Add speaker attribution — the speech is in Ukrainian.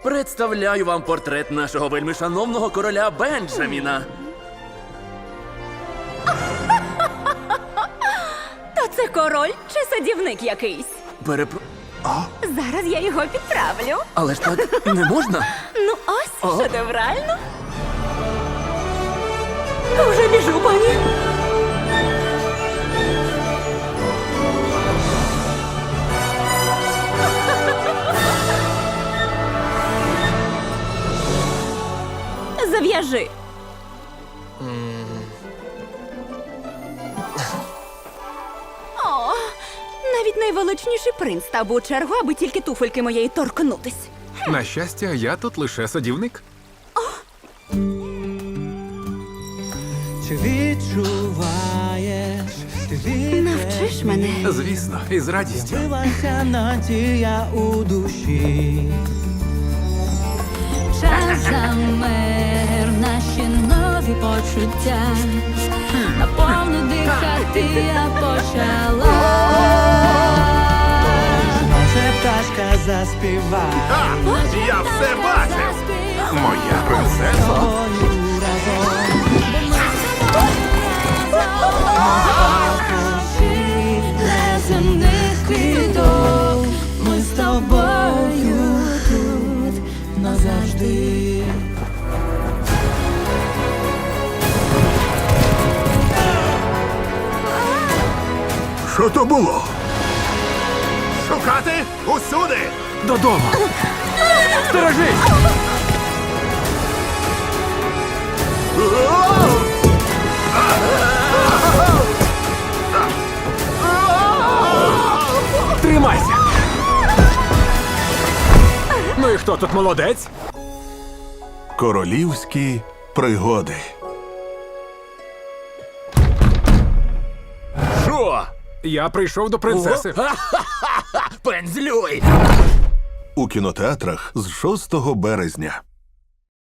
Speaker 1: Представляю вам портрет нашого вельмишановного короля Бенджаміна.
Speaker 2: То це король чи садівник якийсь? Зараз я його підправлю.
Speaker 1: Але ж так не можна.
Speaker 2: Ну ось, шедеврально. Вже біжу, пані. Зав'яжи. О, навіть найвеличніший принц став би у чергу, аби тільки туфельки моєї торкнутись.
Speaker 3: На щастя, я тут лише садівник.
Speaker 4: Чи відчуваєш, ти
Speaker 2: Навчиш мене.
Speaker 3: Звісно, із радістю.
Speaker 4: відкрилася надія у душі.
Speaker 5: Час замер, наші нові почуття. Наповну дихати я почала.
Speaker 4: Може пташка заспіває
Speaker 3: Я все бачив! Моя принцеса.
Speaker 4: тобою разом.
Speaker 5: Неземних квіток, ми з тобою тут назавжди.
Speaker 3: Що то було? Шукати усюди! Додому! Стережись! Тримайся! Ну і хто тут молодець?
Speaker 6: Королівські пригоди.
Speaker 1: Що?
Speaker 3: Я прийшов до принцеси.
Speaker 1: Пензлюй!
Speaker 6: У кінотеатрах з 6 березня.